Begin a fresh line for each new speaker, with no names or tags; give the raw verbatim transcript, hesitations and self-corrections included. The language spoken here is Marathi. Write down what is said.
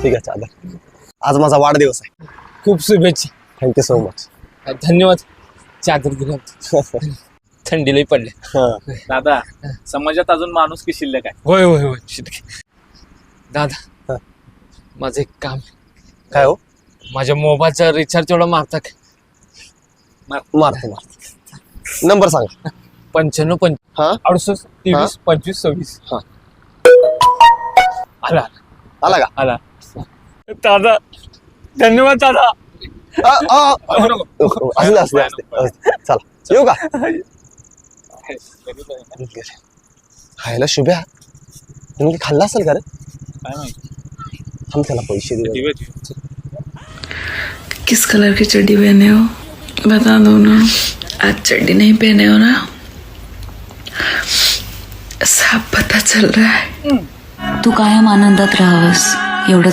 ठीक आहे चालेल. आज माझा वाढदिवस आहे.
खूप शुभेच्छा.
Thank you so much.
धन्यवाद. चादर दिला. थंडी लई पडले.
दादा समाजात अजून माणूस की शिल्लक आहे.
होय होय होय शिटके. दादा माझं एक काम.
काय हो?
माझ्या मोबाईलचा रिचार्ज एवढा मारता का?
मारतो मारतो. नंबर सांगा.
पंच्याण्णव पंच
हा
अडुसष्ट तेवीस पंचवीस सव्वीस.
हा
आला
आला का?
आला. दादा धन्यवाद दादा.
असले असले असले चला येऊ का? खायला शुभ्या तुम्ही खाल्ला असेल का रे?
काय माहिती.
हम त्याला पैसे दे.
किस कलर की चड्डी पहने हो बता दो ना. आज चड्डी नहीं पहने हो ना, साफ पता चल रहा है.
तू कायम आनंदात राहावस एवढं